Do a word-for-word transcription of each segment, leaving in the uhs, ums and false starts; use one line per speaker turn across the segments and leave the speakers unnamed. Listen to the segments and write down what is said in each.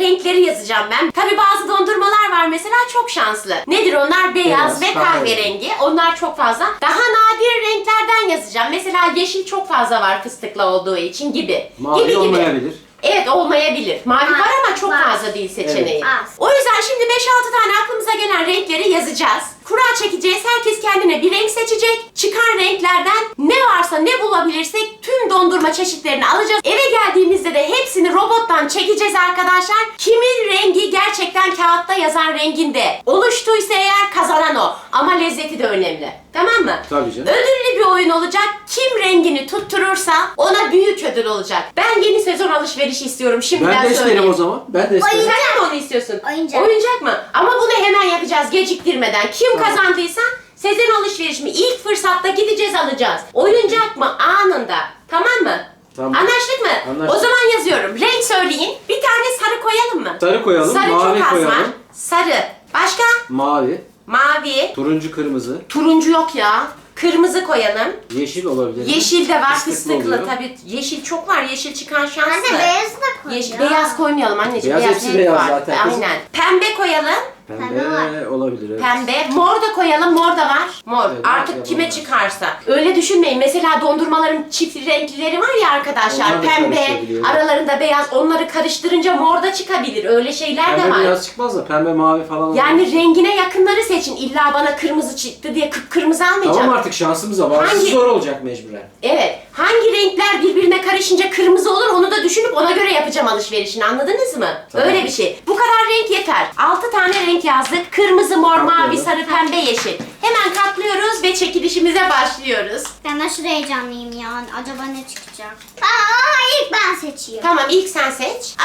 renkleri yazacağım ben. Tabii bazı dondurmalar var mesela çok şanslı. Nedir onlar? Beyaz, Beyaz ve kahverengi. Onlar çok fazla. Daha nadir renklerden yazacağım. Mesela yeşil çok fazla var fıstıkla olduğu için gibi.
Mavi
gibi, gibi.
olmayabilir.
Evet olmayabilir. Mavi var, var ama çok
var.
fazla değil seçeneği.
Evet.
O yüzden şimdi beş altı tane aklımıza gelen renkleri yazacağız. Kura çekeceğiz. Herkes kendine bir renk seçecek. Çıkan renklerden ne varsa ne bulabilirsek tüm dondurma çeşitlerini alacağız. Eve geldiğimizde de hepsini robottan çekeceğiz arkadaşlar. Kimin rengi gerçekten kağıtta yazan renginde oluştuysa eğer kazanan o. Ama lezzeti de önemli. Tamam mı?
Tabii canım.
Ödüllü bir oyun olacak. Kim rengini tutturursa ona büyük ödül olacak. Ben yeni sezon alışverişi istiyorum. Şimdiden
Ben de isterim
söyleyeyim.
o zaman. Ben de isterim.
Sen de mi onu istiyorsun?
Oyuncak.
Oyuncak mı? Ama bunu hemen yapacağız geciktirmeden. Kim kazandıysa sezon alışverişimi ilk fırsatta gideceğiz alacağız. Oyuncak mı? Anında. Tamam mı?
Tamam.
Anlaştık mı?
Anlaştık.
O zaman yazıyorum. Renk söyleyin. Bir tane sarı koyalım mı?
Sarı koyalım,
Sarı
mavi
çok az
koyalım.
var. Sarı. Başka?
Mavi,
Mavi.
turuncu, kırmızı,
Turuncu yok ya. Kırmızı koyalım.
yeşil olabilir.
Yeşil de var
Fıstıklı
fıstıklı
oluyor.
tabii. Yeşil çok var. Yeşil çıkan şanslı.
Anne beyazı da koy.
Yeşil,
ya.
beyaz koymayalım anneciğim.
Beyaz hepsi
renk
beyaz
var.
zaten kızım.
Aynen. Pembe koyalım.
Pembe
Pembe
olabilir. Evet.
Pembe. Mor da koyalım. Mor da var. Mor.
Evet,
Artık
evet,
kime
evet.
çıkarsa. Öyle düşünmeyin. Mesela dondurmaların çift renklileri var ya arkadaşlar.
Onlar da
Pembe.
karışabiliyor.
Aralarında beyaz. Onları karıştırınca mor da çıkabilir. Öyle şeyler de
Pembe
var.
beyaz çıkmaz da pembe mavi falan olur.
Yani rengine yakınları seçin. İlla bana kırmızı çıktı diye kıpkırmızı almayacağım.
Tamam artık şansımıza var.
Hangi-
Zor olacak mecburen.
Evet. Hangi renkler birbirine karışınca kırmızı olur onu da düşünüp ona göre yapacağım alışverişini. Anladınız mı?
Tamam.
Öyle bir şey. Bu kadar renk yeter. altı tane renk yazdık. Kırmızı, mor, mavi,
Katlayalım.
sarı, pembe, yeşil. Hemen katlıyoruz ve çekilişimize başlıyoruz.
Ben aşırı heyecanlıyım ya. Acaba ne çıkacak? Aa, ilk ben seçiyorum.
Tamam ilk sen seç.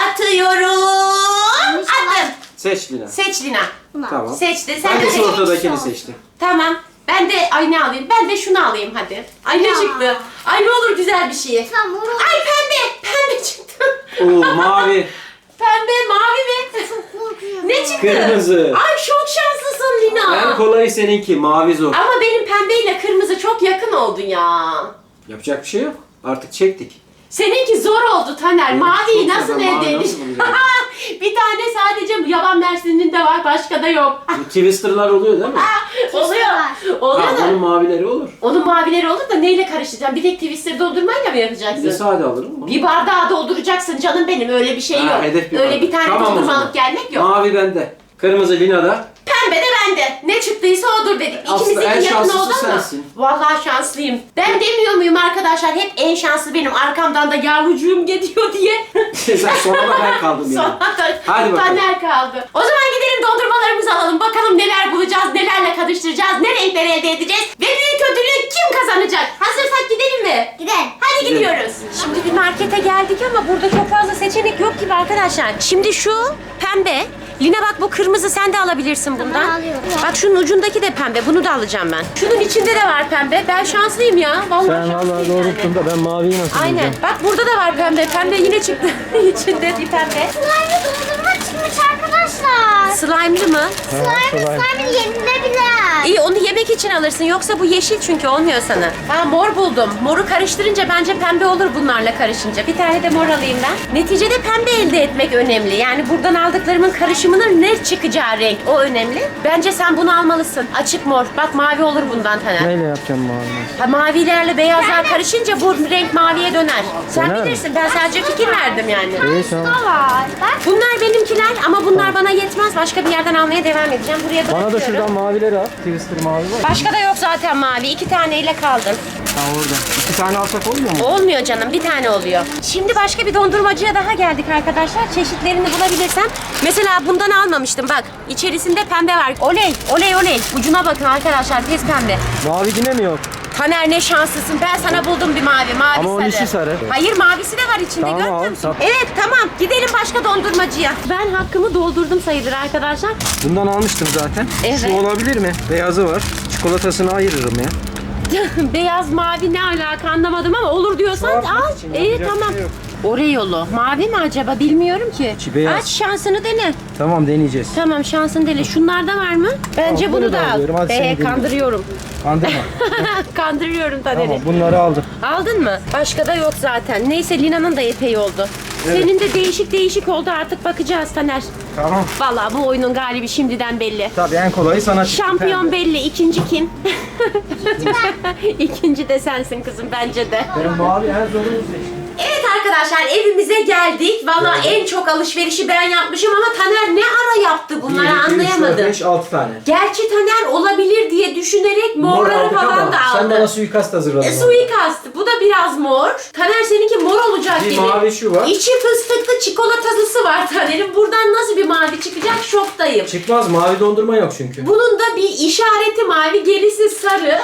Atıyorum.
İnşallah.
Attım.
Seç Lina.
Seç Lina.
Bunu al.
Tamam.
Seçti. Sen
Ben
de
de
seç.
şu ortadakini
olsun.
seçtim.
Tamam. Ben de ay ne alayım? Ben de şunu alayım hadi. Ay ne
Ya.
çıktı? Ay ne olur güzel bir şey.
Tamam, onu-
Ay pembe. Pembe çıktı.
Oo mavi,
Pembe, mavi mi?
Korkuyorum.
Ne çıktı?
kırmızı.
Ay çok şanslısın Lina.
En kolayı seninki, mavi zor.
Ama benim pembeyle kırmızı çok yakın oldu ya.
Yapacak bir şey yok. Artık çektik.
Seninki zor oldu Taner.
Benim
Maviyi
çok
nasıl
zor. Mavi
elde
nasıl
edin?
bulacağım?
Bir tane sadece yaban mersinin de var, başka da yok.
Bu twisterlar oluyor değil mi?
Oluyor.
var.
Oluyor
Ha,
da.
onun mavileri olur.
Onun mavileri olur da neyle karıştıracağım? Bir tek twister doldurmayla mı
Bir de
yapacaksın?
sade alırım. Onu.
Bir bardağı dolduracaksın canım benim. Öyle bir şey
Ha,
yok.
hedef bir
Öyle
bardak.
bir tane
Tamam o
dondurma
zaman.
alıp gelmek yok.
Mavi bende. Kırmızı Lina'da.
Pembe de bende. Ne çıktıysa odur dedik.
Aslında
İkimizinki
en
yakın
şanslısı
oldu ama.
sensin.
Vallahi şanslıyım. Ben demiyor muyum arkadaşlar? Hep en şanslı benim. Arkamdan da yavrucuğum gidiyor diye.
Sen sonra da ben kaldım yani.
Sonra da
Hadi bakalım.
Taner kaldı. O zaman gidelim dondurmalarımızı alalım. Bakalım neler bulacağız, nelerle karıştıracağız, ne renkleri elde edeceğiz. Ve büyük ödülü kim kazanacak? Hazırsak gidelim mi?
Gidelim.
Hadi
Gidelim.
gidiyoruz. Şimdi bir markete geldik ama burada çok fazla seçenek yok gibi arkadaşlar. Şimdi şu pembe. Lina bak bu kırmızı, sen de alabilirsin bundan.
alıyorum.
Bak şunun ucundaki de pembe. Bunu da alacağım ben. Şunun içinde de var pembe. Ben şanslıyım ya. Vallahi
Sen
şanslıyım
valla
yani.
doğrulttun da ben maviyi nasıl
Aynen.
bulacağım?
Bak burada da var pembe. Pembe yine çıktı. İçinde bir pembe.
Slime dondurma çıkmış arkadaşlar.
Slime'lı mı?
Slime,
slime.
slime yenilebilir.
İyi onu yemek için alırsın. Yoksa bu yeşil çünkü olmuyor sana. Ha mor buldum. Moru karıştırınca bence pembe olur bunlarla karışınca. Bir tane de mor alayım ben. Neticede pembe elde etmek önemli. Yani buradan aldıklarımın karışımının ne çıkacağı renk o önemli. Bence sen bunu almalısın. Açık mor. Bak mavi olur bundan Taner.
Neyle yapacağım maviyi?
Ha, mavilerle beyazlar karışınca bu renk maviye döner. Sen
Döner mi?
bilirsin. Ben sadece fikir verdim yani.
İyi tamam.
Da var. Bak.
Bunlar benimkiler ama bunlar bana yetmez. Başka bir yerden almaya devam edeceğim. Buraya
Bana da
bırakıyorum.
şuradan mavileri al. Twister mavi var.
Başka da yok zaten mavi. İki taneyle kaldım.
Ha orada. İki tane alsak olmuyor mu?
Olmuyor canım. Bir tane oluyor. Şimdi başka bir dondurmacıya daha geldik arkadaşlar. Çeşitlerini bulabilirsem. Mesela bundan almamıştım. Bak içerisinde pembe var. Oley oley oley. Ucuna bakın arkadaşlar. Pes pembe.
Mavi yine mi yok?
Taner ne şanslısın. Ben sana buldum bir mavi. Mavi
Ama onun
sarı.
içi sarı.
Hayır mavisi de var içinde.
Tamam,
görmüyor
al,
musun?
sat.
Evet tamam. Gidelim başka dondurmacıya. Ben hakkımı doldurdum sayılır arkadaşlar.
Bundan almıştım zaten.
Evet.
Şu olabilir mi? Beyazı var. Çikolatasını ayırırım ya.
Beyaz mavi ne alaka anlamadım ama olur diyorsan
Çoğaltmak
al.
için
İyi
yapacak bir
tamam.
şey yok.
Oreo'lu. Mavi mi acaba bilmiyorum ki.
İçi beyaz.
Aç şansını dene.
Tamam deneyeceğiz.
Tamam şansını dene. Şunlarda var mı? Bence
Al,
bunu
bunu
da
da
al.
alıyorum. Hadi seni
Ee,
dinliyorum.
kandırıyorum.
Kandırma.
Kandırıyorum Taner'i.
Tamam bunları aldım.
Aldın mı? Başka da yok zaten. Neyse Lina'nın da epey oldu. Senin de değişik değişik oldu, artık bakacağız Taner.
Tamam.
Vallahi bu oyunun galibi şimdiden belli.
Tabii en kolayı sana çıktı.
Şampiyon belli. İkinci kim? İkinci de sensin kızım bence de.
Benim mavi en zorunu seçtim.
Evet arkadaşlar, evimize geldik. Vallahi
Geldik.
en çok alışverişi ben yapmışım ama Taner ne ara yaptı bunları anlayamadım.
beş, altı tane.
Gerçi Taner olabilir diye düşünerek morları
aldık
falan
ama
da
sen
aldı.
bana suikast hazırladın.
E, suikast. Bu da biraz mor. Taner seninki mor olacak
Bir
gibi.
mavi şu var.
İçi fıstıklı çikolatalısı var Taner'in. Buradan nasıl bir mavi çıkacak şoktayım.
Çıkmaz, mavi dondurma yok çünkü.
Bunun da bir işareti mavi, gerisi sarı.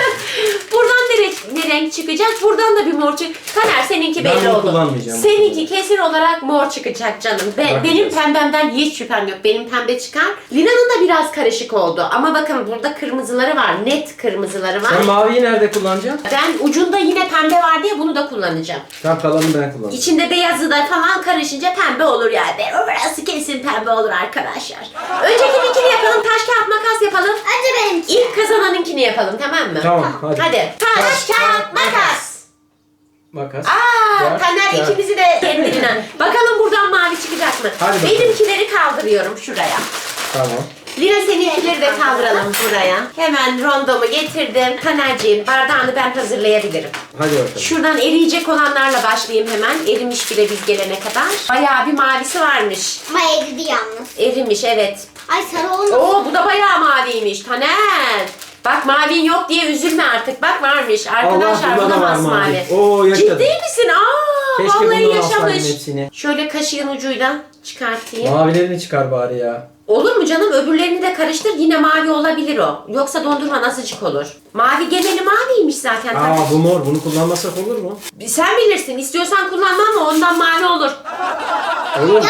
Buradan ne renk, ne renk çıkacak? Buradan da bir mor çık. Taner seninki
Ben
belli
bunu
oldu.
kullanmayacağım.
Seninki kesin olarak mor çıkacak canım. Be-
Bakacağız.
benim pembemden hiç şüphem yok. Benim pembe çıkar. Lina'nın da biraz karışık oldu. Ama bakın burada kırmızıları var. Net kırmızıları var.
Sen maviyi nerede kullanacaksın?
Ben ucunda yine pembe var diye bunu da kullanacağım.
Tam kalanını ben kullanacağım.
İçinde beyazı da falan karışınca pembe olur yani. Burası kesin pembe olur arkadaşlar. Öncekininkini yapalım. Taş kağıt makas yapalım.
Önce benimki.
İlk kazananınkini yapalım, tamam mı?
Tamam, hadi.
Hadi. Taş, kağıt, makas.
Makas.
Aa,
Kağıt,
Taner
kağıt.
ikimizi de kendine. Bakalım buradan mavi çıkacak mı?
Hadi bakalım.
Benimkileri kaldırıyorum şuraya.
Tamam.
Lina seninkileri de kaldıralım buraya. Hemen rondomu getirdim. Tanerciğim bardağını ben hazırlayabilirim.
Hadi bakalım.
Şuradan eriyecek olanlarla başlayayım hemen. Erimiş bile biz gelene kadar. Bayağı bir mavisi varmış.
Ama eridi yalnız.
Erimiş, evet.
Ay sarı olmuş.
Oo, bu da bayağı maviymiş Taner. Bak mavin yok diye üzülme artık. Bak varmış. Arkadaşlar
Allah,
bu da
bunda da var
masmavi.
mavi. Oo, yaşadım.
Ciddi misin? Aa,
Keşke
vallahi
bundan alsaydım
yaşamış.
hepsini.
Şöyle kaşığın ucuyla çıkartayım.
Mavilerini çıkar bari ya.
Olur mu canım? Öbürlerini de karıştır. Yine mavi olabilir o. Yoksa dondurma nasılcık olur? Mavi geneli maviymiş zaten.
Aa bu mor, bunu kullanmasak olur mu?
Sen bilirsin. İstiyorsan kullanma ama ondan mavi olur.
Olur mu?
Ya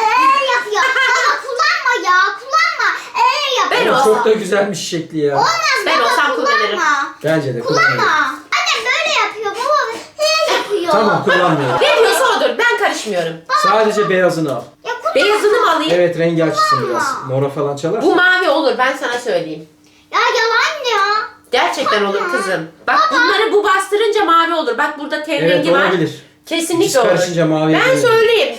ee yapıyor. Baba kullanma ya. Kullanma. Ee yapıyor.
Ben
Ama
olsam-
çok da güzelmiş şekli ya.
Olmaz
Ben
baba,
olsam kullanırım.
kullanma.
Bence de
Kullanma.
kullanmayalım.
Annem böyle yapıyor baba. He yapıyor.
Tamam, kullanmıyorum.
Ne diyorsa odur. Ben karışmıyorum.
Sadece beyazını al.
Ya kullanma.
Beyazını mı alayım?
Evet, rengi açsın biraz.
Kullanma.
Mora falan çalar.
Bu mavi olur. Ben sana söyleyeyim.
Ya yalan ya.
Gerçekten olur kızım. Bak bunları bu bastırınca mavi olur. Bak burada ten
Evet,
rengi var.
olabilir.
Kesinlikle
İkisi
olur.
karışınca mavi
Ben
olur.
söyleyeyim.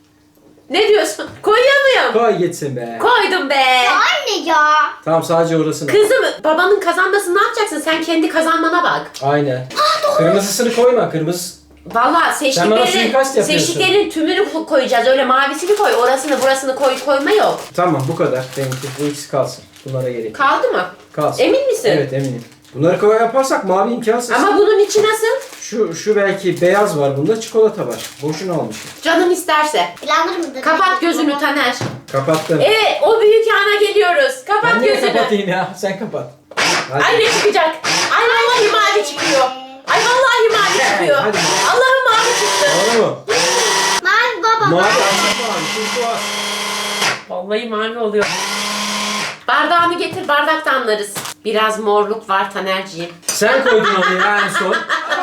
Ne diyorsun? Koyuyor muyum?
Koy gitsin be.
Koydum be.
Ya anne ya.
Tamam, sadece orasını al.
Kızım babanın kazanmasını ne yapacaksın? Sen kendi kazanmana bak.
Aynen. Kırmızısını koyma, kırmızı.
Vallahi
Sen bana
seçtiklerin,
suikast yapıyorsun.
seçtiklerin tümünü ko- koyacağız. Öyle mavisini koy, orasını burasını koy koyma yok.
Tamam, bu kadar. Benimki. Bu ikisi kalsın. Bunlara gerek yok.
Kaldı mı?
Kalsın.
Emin misin?
Evet, eminim. Bunları koy yaparsak mavi imkansız.
Ama bunun içi nasıl?
Şu şu belki beyaz var bunda, çikolata var. Boşuna almışım.
Canın isterse.
Planlar mıdır?
Kapat gözünü Taner.
Kapattım.
Evet, o büyük ana geliyoruz. Kapat
Ben niye
gözünü.
kapatayım ya? Sen kapat. Hadi.
Ay ne çıkacak? Ay vallahi mavi çıkıyor. Ay vallahi mavi çıkıyor.
hadi.
Allah'ım mavi çıktı.
Doğru mu?
Mavi baba.
Mavi,
Mavi.
aslında mavi. Tuz var.
Vallahi mavi oluyor. Bardağını getir, bardakta anlarız. Biraz morluk var Tanerciğim.
Sen koydun onu ya en son.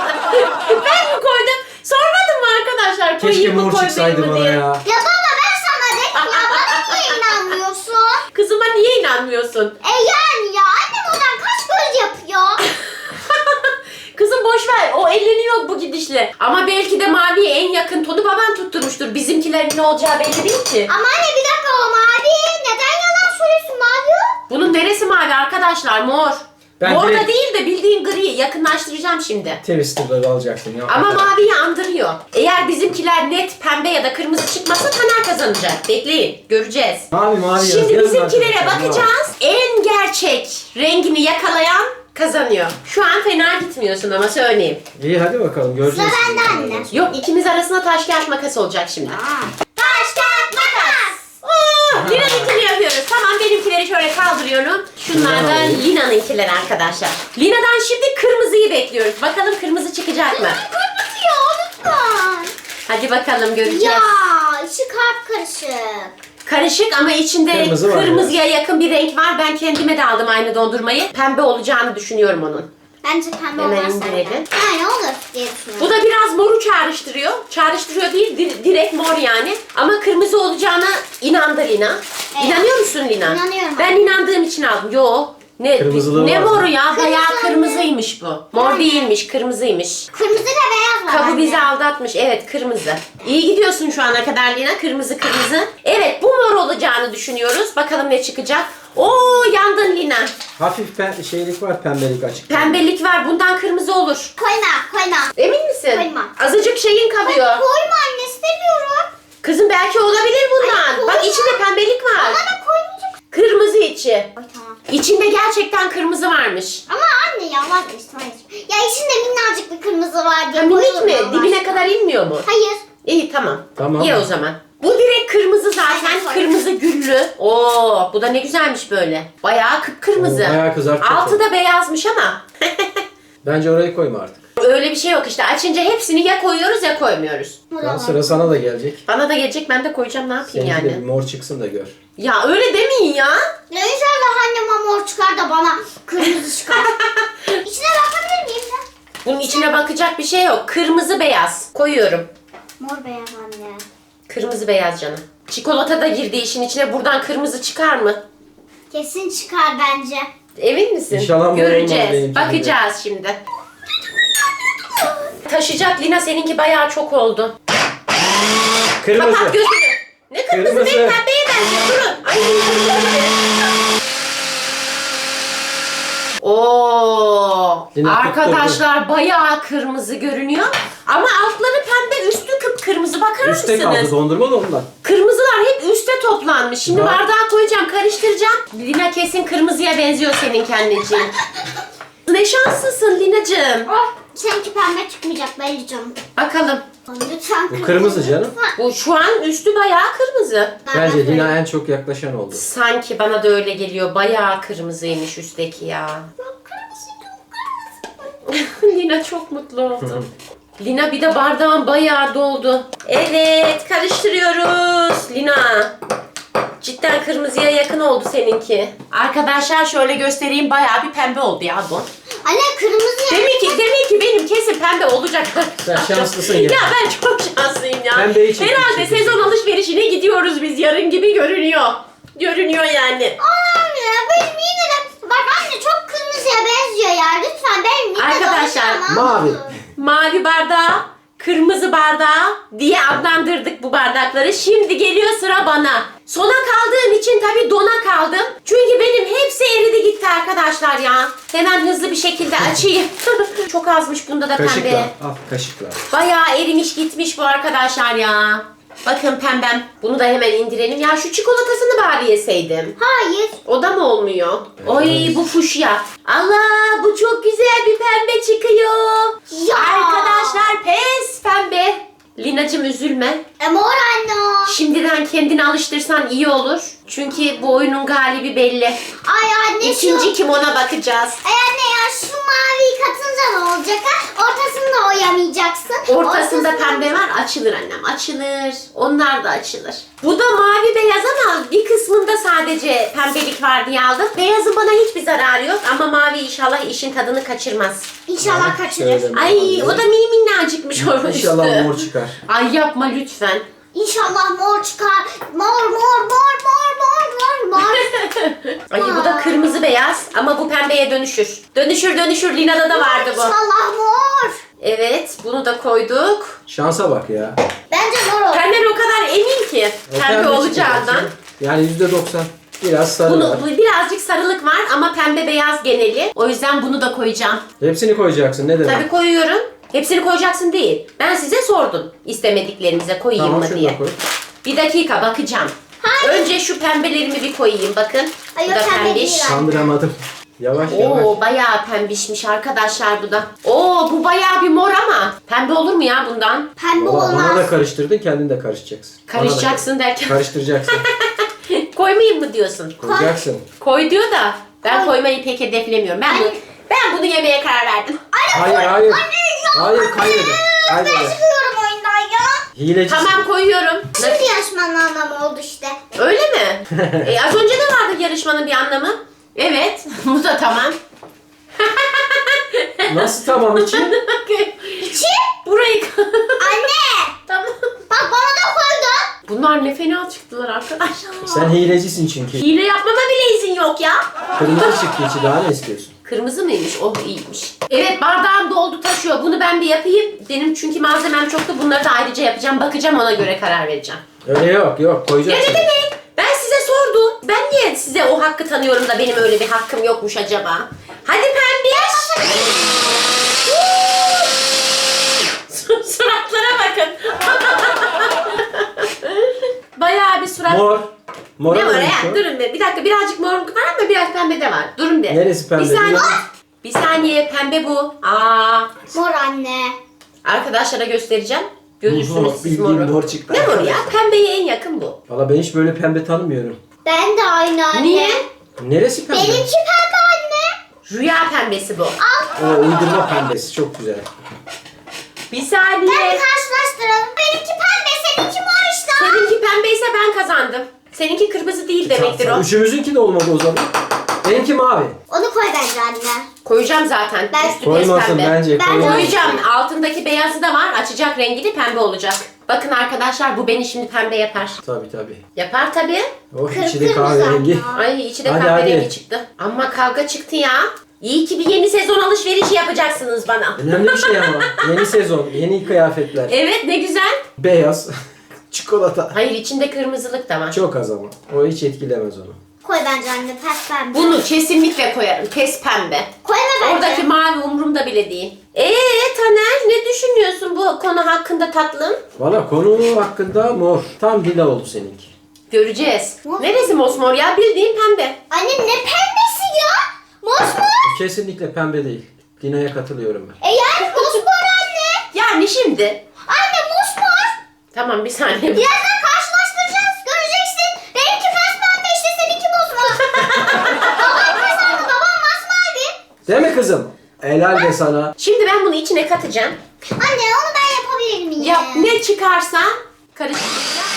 Ben mi koydum? Sormadım mı arkadaşlar?
Keşke
Koyayım mı
mor
koymayayım
çıksaydı
mı
bana
diye.
ya.
Ya baba ben sana dedim ya. Bana niye inanmıyorsun?
Kızıma niye inanmıyorsun?
E yani ya. Annem oradan kaç göz yapıyor.
Kızım boş ver. O elleniyor bu gidişle. Ama belki de maviye en yakın tonu baban tutturmuştur. Bizimkilerin ne olacağı belli değil ki.
Ama anne bir dakika o mavi. Neden yalan söylüyorsun mavi o?
Bunun neresi mavi arkadaşlar? Mor.
Ben
Mor da
direkt-
değil de bildiğin gri. Yakınlaştıracağım şimdi.
Twister'ları alacaktın ya.
Ama
Hakikaten.
maviyi andırıyor. Eğer bizimkiler net pembe ya da kırmızı çıkmasa Taner kazanacak. Bekleyin. Göreceğiz.
Mavi mavi yaz.
Şimdi
Yazın
bizimkilere
arkadaşlar, mavi.
bakacağız. En gerçek rengini yakalayan kazanıyor. Şu an fena gitmiyorsun ama söyleyeyim.
İyi, hadi bakalım, göreceğiz.
Sıra bende
şimdi.
anne.
Yok, ikimiz arasında taş kağıt makas olacak şimdi.
Taş kağıt makas.
Oo, Lina'nınkini yapıyoruz. Tamam, benimkileri şöyle kaldırıyorum. Şunlar da
Şunları alayım.
Lina'nınkiler arkadaşlar. Lina'dan şimdi kırmızıyı bekliyoruz. Bakalım kırmızı çıkacak mı?
Kırmızı ya lütfen.
Hadi bakalım, göreceğiz.
Ya içi kalp karışık.
Karışık ama içinde
Kırmızı var
kırmızıya yakın bir renk var. Ben kendime de aldım aynı dondurmayı. Pembe olacağını düşünüyorum onun.
Bence pembe
Hemen
olmaz
indirelim.
zaten. Yani olur diye düşünüyorum.
Bu da biraz moru çağrıştırıyor. Çağrıştırıyor değil, di- direkt mor yani. Ama kırmızı olacağına inandı Lina.
Evet.
İnanıyor musun Lina?
İnanıyorum.
Ben inandığım için aldım. Yo, Ne,
Kırmızılığı
ne
var.
moru ya? Bayağı
Kırmızı.
kırmızıymış bu. Mor değilmiş, kırmızıymış.
Kırmızı ve beyaz var.
Kabı
anne.
bizi aldatmış. Evet, kırmızı. İyi gidiyorsun şu ana kadar Lina. Kırmızı kırmızı. Evet, bu mor olacağını düşünüyoruz. Bakalım ne çıkacak. Oo, yandın Lina.
Hafif pe- şeylik var, pembelik açık.
Pembelik var. Bundan kırmızı olur.
Koyma koyma.
Emin misin?
Koyma.
Azıcık şeyin kalıyor.
Koyma anne istemiyorum.
Kızım belki olabilir bundan.
Ay, koyma.
Bak içinde pembelik var.
Ama da koymayacak.
Kırmızı içi.
Ay tamam.
İçinde gerçekten kırmızı varmış.
Ama anne ya vazgeçtim hayır. Ya içinde minnacık bir kırmızı var diye
Ha, minik
koyuyorum
mi?
Allah
Dibine
aşkına.
kadar inmiyor mu?
Hayır.
İyi tamam.
Tamam.
İyi o zaman. Bu direkt kırmızı zaten.
Aynen,
Kırmızı güllü. Oo, bu da ne güzelmiş böyle. Bayağı kıpkırmızı.
Oo, bayağı kızartacak
Altı
onu.
da beyazmış ama.
Bence orayı koyma artık.
Öyle bir şey yok işte. Açınca hepsini ya koyuyoruz ya koymuyoruz.
Tamam, sıra sana da gelecek.
Bana da gelecek, ben de koyacağım, ne yapayım
Seninki de bir
yani.
mor çıksın da gör.
Ya öyle demeyin ya.
Ya inşallah annem mor çıkar da bana kırmızı çıkar. İçine bakabilir miyim de?
Bunun içine bakacak bir şey yok. Kırmızı beyaz. Koyuyorum.
Mor beyaz anne.
Kırmızı beyaz canım. Çikolata da girdi işin içine. Buradan kırmızı çıkar mı?
Kesin çıkar bence.
Emin misin?
İnşallah mor olmaz
Göreceğiz.
benimki
Bakacağız şimdi. Taşıyacak Lina, seninki bayağı çok oldu.
Kırmızı.
Kapat gözünü. Ne kırmızı,
Kırmızı.
benim pembeye benziyor. Durun. Ay, Oo,
Lina
arkadaşlar bayağı kırmızı görünüyor. Ama altları pembe, üstü kıpkırmızı. Bakar
Üste kaldı
mısınız?
dondurma da ondan.
Kırmızılar hep üste toplanmış. Şimdi
Ha.
bardağa koyacağım, karıştıracağım. Lina kesin kırmızıya benziyor senin anneciğim. Ne şanslısın Linacığım.
Oh, seninki pembe çıkmayacak belli canım.
Bakalım.
Lütfen
Bu kırmızı canım.
Bu şu an üstü bayağı kırmızı.
Bence Lina en çok yaklaşan oldu.
Sanki bana da öyle geliyor. Bayağı kırmızıymış üstteki ya. Lina çok mutlu oldu. Lina bir de bardağın bayağı doldu. Evet, karıştırıyoruz. Lina. Cidden kırmızıya yakın oldu seninki. Arkadaşlar şöyle göstereyim, bayağı bir pembe oldu ya bu.
Anne kırmızı ya.
Demek ki demek ki benim kesin pembe olacak.
Sen şanslısın ya.
Ya ben çok şanslıyım ya.
Pembeyi çektik
Herhalde
çünkü.
sezon alışverişine gidiyoruz biz yarın gibi görünüyor. Görünüyor yani.
Anne benim yine de bak anne çok kırmızıya benziyor ya. Lütfen benim yine de
Arkadaşlar,
olacağım,
mavi.
ama.
Mavi bardağı, kırmızı bardağı diye adlandırdık bu bardakları. Şimdi geliyor sıra bana. Sona kaldığım için tabii dona kaldım. Çünkü benim hepsi eridi gitti arkadaşlar ya. Hemen hızlı bir şekilde açayım. Çok azmış bunda da
Kaşıkla.
pembe.
Al kaşıkla.
Bayağı erimiş gitmiş bu arkadaşlar ya. Bakın pembem. Bunu da hemen indirelim. Ya şu çikolatasını bari yeseydim.
Hayır.
O da mı olmuyor?
Evet.
Oy bu fuşya. Allah bu çok güzel bir pembe çıkıyor.
Ya.
Arkadaşlar pes pembe. Linacığım üzülme.
E mor anne o.
Şimdiden kendini alıştırsan iyi olur. Çünkü bu oyunun galibi belli.
Ay anne
İkinci
şu.
kim ona bakacağız.
Ay anne ya şu maviyi katınca ne olacak ha? Ortasını da oyamayacaksın.
Ortasında
Ortasını-
pembe var. Açılır annem. Açılır. Onlar da açılır. Bu da mavi beyaz ama bir kısmında sadece pembelik var diye aldım. Beyazın bana hiçbir zararı yok ama mavi inşallah işin tadını kaçırmaz.
İnşallah kaçırır.
Şöyle
Ay
mavi.
o da mini minnacıkmış o üstü.
İnşallah mor çıkar.
Ay yapma lütfen.
İnşallah mor çıkar. Mor mor mor mor mor mor mor.
Ay bu da kırmızı beyaz ama bu pembeye dönüşür. Dönüşür dönüşür. Lina'da da vardı bu.
İnşallah mor.
Evet bunu da koyduk.
Şansa bak ya.
Bence mor olur.
Pembe o kadar emin ki
O
pembe
pembe
olacağından.
çıkacak. Yani yüzde doksan. Biraz sarı
Bunu,
var.
bu birazcık sarılık var ama pembe beyaz geneli. O yüzden bunu da koyacağım.
Hepsini koyacaksın. Ne demek?
Tabii koyuyorum. Hepsini koyacaksın değil. Ben size sordum istemediklerinize koyayım
Tamam
mı
şunu
diye.
da koy.
Bir dakika bakacağım.
Hayır.
Önce şu pembelerimi bir koyayım bakın.
Ay,
Bu
o
da
pembe
pembiş.
değil.
Kandıramadım. Yavaş yavaş.
Oo bayağı pembişmiş arkadaşlar bu da. Oo bu bayağı bir mor ama pembe olur mu ya bundan?
Pembe
Valla bana da
olmaz.
karıştırdın, kendin de karışacaksın. Bana da
Karışacaksın derken
Karıştıracaksın.
koymayayım mı diyorsun?
Koyacaksın.
Koy diyor da ben
Koy.
koymayı pek hedeflemiyorum. Ben, bu,
Ay.
ben bunu yemeye karar verdim.
Hayır hayır. Hayır kaybeder.
Ben
Kaybeder.
çıkıyorum oyundan ya.
Hilecisin.
Tamam koyuyorum.
Şimdi yarışmanın anlamı oldu işte.
Öyle mi? e, az önce de vardı yarışmanın bir anlamı. Evet. Bu da tamam.
Nasıl tamam için?
İçi?
Burayı...
Anne.
Tamam.
Bak bana da koydun.
bunlar ne fena çıktılar arkadaşlar.
Sen hilecisin çünkü.
Hile yapmama bile izin yok ya.
Kırmızı çıktı içi, daha ne istiyorsun?
Kırmızı mıymış? Oh iyiymiş. Evet bardağım doldu taşıyor. Bunu ben bir yapayım. Benim çünkü malzemem çoktu. Bunları da ayrıca yapacağım. Bakacağım ona göre karar vereceğim.
Öyle yok yok
Ya
koyacaksın.
ne demek? Ben size sordum. Ben niye size o hakkı tanıyorum da benim öyle bir hakkım yokmuş acaba? Hadi pembiş. Suratlara bakın. Bayağı bir surat.
Mor. Mor
Ne var
neymiş
ya?
o?
Durun bir. Bir dakika birazcık morluk var ama biraz pembe de var. Durun bir.
Neresi pembe?
Bir saniye.
Biraz-
Bir saniye pembe bu. Aa.
Mor anne.
Arkadaşlara göstereceğim. Görürsünüz siz
Bildiğin
moru.
mor çıktı.
Ne moru ya? Pembeye en yakın bu.
Valla ben hiç böyle pembe tanımıyorum.
Ben de aynı anne.
Niye?
Neresi pembe?
Benimki pembe anne.
Rüya pembesi bu.
O uydurma pembesi çok güzel.
Bir
Ben
saniye.
karşılaştıralım. Benimki pembe, seninki mor işte.
Seninki pembeyse ben kazandım. Seninki kırmızı değil demektir o.
Üçümüzünki de olmadı o zaman. Benimki mavi.
Onu koy bence anne.
Koyacağım zaten.
Ben-
Üstü pes
Koymasın
pembe.
bence.
Ben
koymasın.
Koyacağım. Altındaki beyazı da var. Açacak rengini pembe olacak. Bakın arkadaşlar bu beni şimdi pembe yapar.
Tabii tabii.
Yapar tabii.
Oh içi de
Kırmızı
kahverengi.
anne.
Ay içi de
Hadi,
kahverengi
hadi.
çıktı. Ama kavga çıktı ya. İyi ki bir yeni sezon alışverişi yapacaksınız bana.
Önemli bir şey ama. Yeni sezon, yeni kıyafetler.
Evet ne güzel.
Beyaz. Çikolata.
Hayır içinde kırmızılık da var.
Çok az ama. O hiç etkilemez onu.
Koy bence anne, pes pembe.
Bunu kesinlikle koyarım. Pes pembe.
Koyma bence.
Oradaki mavi umurumda bile değil. Eee Taner ne düşünüyorsun bu konu hakkında tatlım?
Valla konu hakkında mor. Tam lila oldu seninki.
Göreceğiz.
Mor.
Neresi mosmor ya? Bildiğin pembe.
Anne ne pembesi ya? Mosmor.
Kesinlikle pembe değil. Lina'ya katılıyorum ben.
E yani mosmor anne.
Yani şimdi.
Anne mosmor.
Tamam bir saniye.
Birazdan karşılaştıracağız. Göreceksin. Benimki pes pembe işte, seninki mosmor. Babam kazandı. Babam masmavi.
Değil mi kızım? Helal be sana.
Şimdi ben bunu içine katacağım.
Anne onu ben yapabilir miyim?
Yap ne çıkarsa karıştır.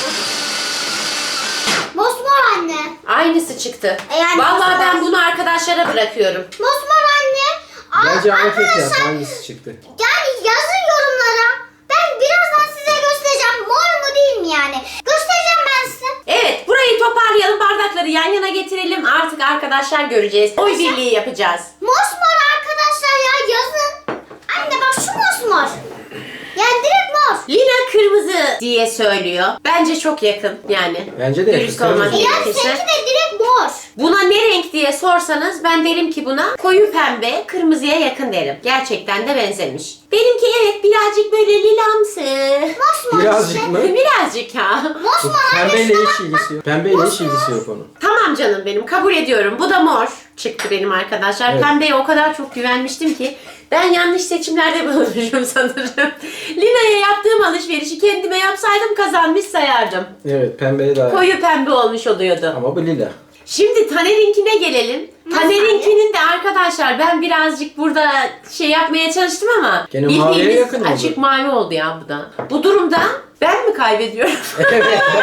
Mosmor anne.
Aynısı çıktı.
E yani
Vallahi
mosmor.
ben bunu arkadaşlara bırakıyorum.
Mosmor anne. Aa,
Bence anket yap.
arkadaşlar,
Hangisi çıktı?
yani yazın yorumlara. Ben birazdan size göstereceğim. Mor mu değil mi yani? Göstereceğim ben size.
Evet burayı toparlayalım, bardakları yan yana getirelim. Artık arkadaşlar göreceğiz. Oy birliği yapacağız.
Mosmor arkadaşlar ya, yazın. Anne bak şu mosmor. Yani direkt mor.
Lina kırmızı diye söylüyor. Bence çok yakın yani.
Bence de yakın,
Dürüst olmak
kırmızı.
E yani
gerekirse.
seninki de direkt mor.
Buna ne renk diye sorsanız ben derim ki buna koyu pembe, kırmızıya yakın derim. Gerçekten de benzemiş. Benimki evet birazcık böyle lilamsı.
Mosmor
Birazcık
işte.
mı?
Birazcık ha.
Mosmor anne.
Pembeyle hiç ilgisi yok. Pembeyle hiç ilgisi yok onun.
Tamam canım benim kabul ediyorum. Bu da mor çıktı benim arkadaşlar.
Evet.
Pembeye o kadar çok güvenmiştim ki ben yanlış seçimlerde bulunmuşum sanırım. Lina'ya yaptığım alışverişi kendime yapsaydım kazanmış sayardım.
Evet pembeye daha.
Koyu pembe olmuş oluyordu.
Ama bu lila.
Şimdi Taner'inkine gelelim.
Nasıl
Taner'inkinin de arkadaşlar ben birazcık burada şey yapmaya çalıştım ama
Gene maviye
bildiğiniz
yakın oldu.
açık mavi oldu ya bu da. Bu durumda ben mi kaybediyorum?
Evet.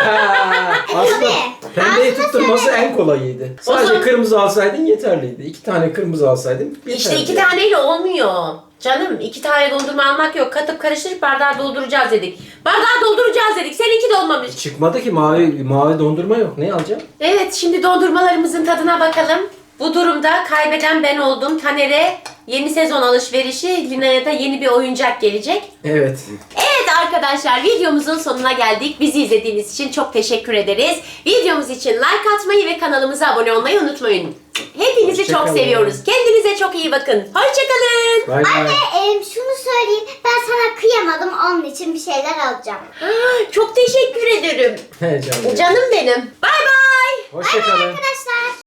Aslında
Tabii.
pembeyi
Aslında
tutturması
söyle.
en kolayıydı.
O
Sadece
zaman-
kırmızı alsaydın yeterliydi. İki tane kırmızı alsaydın yeterliydi.
İşte iki taneyle olmuyor. Canım iki tane dondurma almak yok. Katıp karıştırıp bardağı dolduracağız dedik. Bardağı dolduracağız dedik. Seninki de olmamış.
Çıkmadı ki mavi mavi dondurma yok. Ne alacağım?
Evet şimdi dondurmalarımızın tadına bakalım. Bu durumda kaybeden ben oldum. Taner'e yeni sezon alışverişi, Lina'ya da yeni bir oyuncak gelecek.
Evet.
Evet arkadaşlar videomuzun sonuna geldik. Bizi izlediğiniz için çok teşekkür ederiz. Videomuz için like atmayı ve kanalımıza abone olmayı unutmayın. Hepinizi
Hoşça
çok
kalın.
seviyoruz. Kendinize çok iyi bakın. Hoşçakalın.
Bay bay.
Anne e, şunu söyleyeyim. Ben sana kıyamadım. Onun için bir şeyler alacağım.
Çok teşekkür ederim.
He canım.
Canım benim. Bay bay.
Hoşça kalın.
Arkadaşlar.